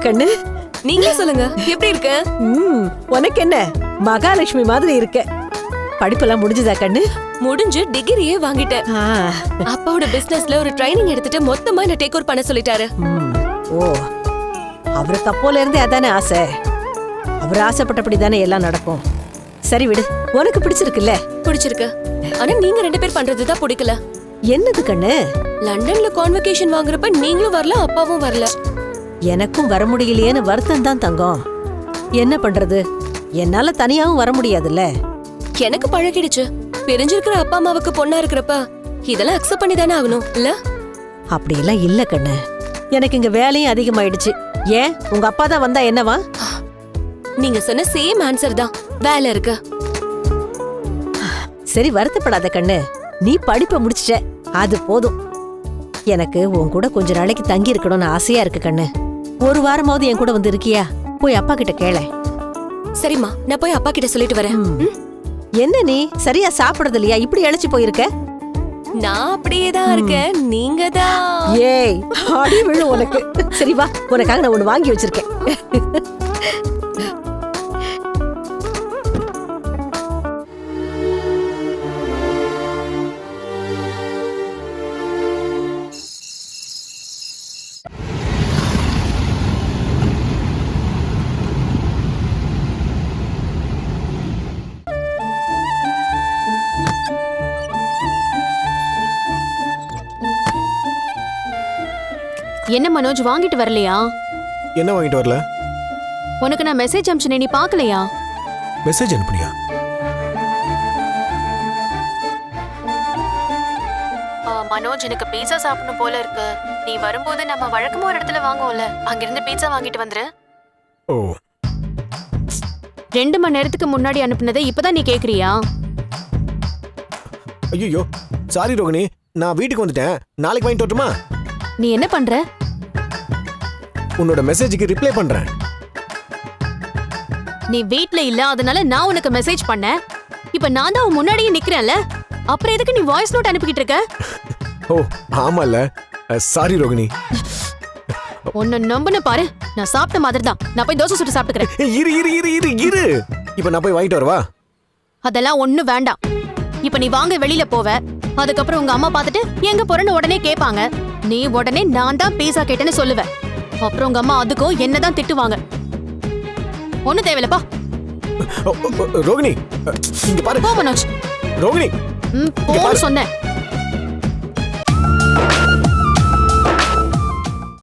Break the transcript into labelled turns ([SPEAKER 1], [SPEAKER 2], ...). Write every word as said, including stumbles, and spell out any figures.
[SPEAKER 1] கண்ணு?
[SPEAKER 2] நீங்களே சொல்லுங்க, எப்படி இருக்க?
[SPEAKER 1] ம், உனக்கு என்ன மகாலட்சுமி மாதிரி இருக்க. படிப்பெல்லாம் முடிஞ்சதா கண்ணு?
[SPEAKER 2] முடிஞ்சு டிகிரியே வாங்கிட்டேன்.
[SPEAKER 1] ஆ,
[SPEAKER 2] அப்பாவோட பிசினஸ்ல ஒரு ட்ரைனிங் எடுத்துட்டு மொத்தமா என்ன டேக் ஓவர் பண்ண சொல்லிட்டாரு.
[SPEAKER 1] ம், ஓ அவருக்கு அப்போல இருந்தே அதானே ஆசை. அவர் ஆசைப்பட்டபடி தானே எல்லாம் நடக்கும். சரி விடு, உனக்கு பிடிச்சிருக்குல்ல?
[SPEAKER 2] பிடிச்சிருக்கு. ஆனா நீங்க ரெண்டு பேர் பண்றதுதான் பிடிக்கல.
[SPEAKER 1] என்னது கண்ணு?
[SPEAKER 2] லண்டன்ல கான்வகேஷன் வாங்குறப்ப நீங்களும் வரல, அப்பாவும் வரல.
[SPEAKER 1] எனக்கும் வர முடியலையேன்னு வருத்தம் தான் தங்கம். என்ன பண்றது, என்னால தனியாவும் வர முடியாதுல்ல.
[SPEAKER 2] எனக்கு பழகிடுச்சு. பிரிஞ்சிருக்கிற அப்பா அம்மாவுக்கு பொண்ணா இருக்கிறப்ப இதெல்லாம் அக்செப்ட் பண்ணி தானே ஆகணும் இல்ல?
[SPEAKER 1] அப்படியெல்லாம் இல்ல கண்ணு. எனக்கு இங்க வேலையும் அதிகமாயிடுச்சு. ஏன் உங்க அப்பா தான் வந்தா என்னவா?
[SPEAKER 2] நீங்க சொன்ன சேம் ஆன்சர் தான். வேலை இருக்கு.
[SPEAKER 1] சரி வருத்தப்படாத கண்ணு, நீ படிப்பை முடிச்சிட்ட, அது போதும். எனக்கு உன் கூட கொஞ்ச நாளைக்கு தங்கி இருக்கணும்னு ஆசையா இருக்கு கண்ணு. ஒரு வாரமாவது என் கூட வந்து இருக்கியா? போய் அப்பா கிட்ட கேள.
[SPEAKER 2] சரிம்மா, நான் போய் அப்பா கிட்ட சொல்லிட்டு வரேன். ம்?
[SPEAKER 1] என்ன நீ சரியா சாப்பிடுறது இல்லையா? இப்படி இழைச்சு போயிருக்க.
[SPEAKER 2] நான் அப்படியே தான் இருக்கேன். நீங்க தான்.
[SPEAKER 1] ஏய் அடி விழு உனக்கு. சரி வா, உனக்காக நான் ஒண்ணு வாங்கி வச்சிருக்கேன்.
[SPEAKER 3] என்ன மனோஜ், வாங்கிட்டு வரலையா?
[SPEAKER 4] என்ன வாங்கிட்டு வரல?
[SPEAKER 3] உனக்கு நான் மெசேஜ் அனுப்பிச்சேனே, நீ பார்க்கலையா?
[SPEAKER 4] மெசேஜ் அனுப்புனியா?
[SPEAKER 3] மனோஜ், எனக்கு பீட்சா சாப்பிடணும் போல இருக்கு. நீ வரும்போது நம்ம வழக்கமா ஒரு இடத்துல வாங்குவோம்ல, அங்கிருந்து பீட்சா வாங்கிட்டு வந்துரு.
[SPEAKER 4] ஓ,
[SPEAKER 3] ரெண்டு மணி நேரத்துக்கு முன்னாடி அனுப்புனதை இப்பதான் நீ கேக்குறியா?
[SPEAKER 4] ஐயோ சாரி ரோகிணி, நான் வீட்டுக்கு வந்துட்டேன். நாளைக்கு வாங்கிட்டு வரட்டுமா?
[SPEAKER 3] நீ என்ன பண்ற?
[SPEAKER 4] உன்னோட மெசேஜுக்கு ரிப்ளை பண்றேன்.
[SPEAKER 3] நீ வீட்ல இல்ல, அதனால நான் உனக்கு மெசேஜ் பண்ணேன். இப்ப நான் தான் உன் முன்னாடியே நிக்கிறேன்ல, அப்புறம் எதுக்கு நீ வாய்ஸ் நோட் அனுப்பிக்கிட்டு இருக்க?
[SPEAKER 4] ஓ ஆமால, சாரி ரோகிணி.
[SPEAKER 3] உன்னை நம்புன பாரு, நான் சாப்பிட்ட மாதிரி தான். நான் போய் தோசை சுட்டு சாப்பிட்டுக்கிறேன்.
[SPEAKER 4] இரு இரு இரு இரு இரு இப்ப நான் போய் வாங்கிட்டு வரவா?
[SPEAKER 3] அதெல்லாம் ஒண்ணும் வேண்டாம். இப்ப நீ வாங்க வெளியில போவ, அதுக்கப்புறம் உங்க அம்மா பார்த்துட்டு எங்க போறன்னு உடனே கேட்பாங்க. நீ உடனே நான் தான் பீஸா கேட்டேன்னு சொல்லுவ. அப்புறம் உங்க அம்மா அதுக்கும் என்னதான் திட்டுவாங்க. ஒண்ணு தேவையில்லப்பா.
[SPEAKER 4] ரோகிணி இங்க பாரு.
[SPEAKER 3] போ மனோஜ்.
[SPEAKER 4] ரோகிணி
[SPEAKER 3] ம், போன்னு சொன்னேன்.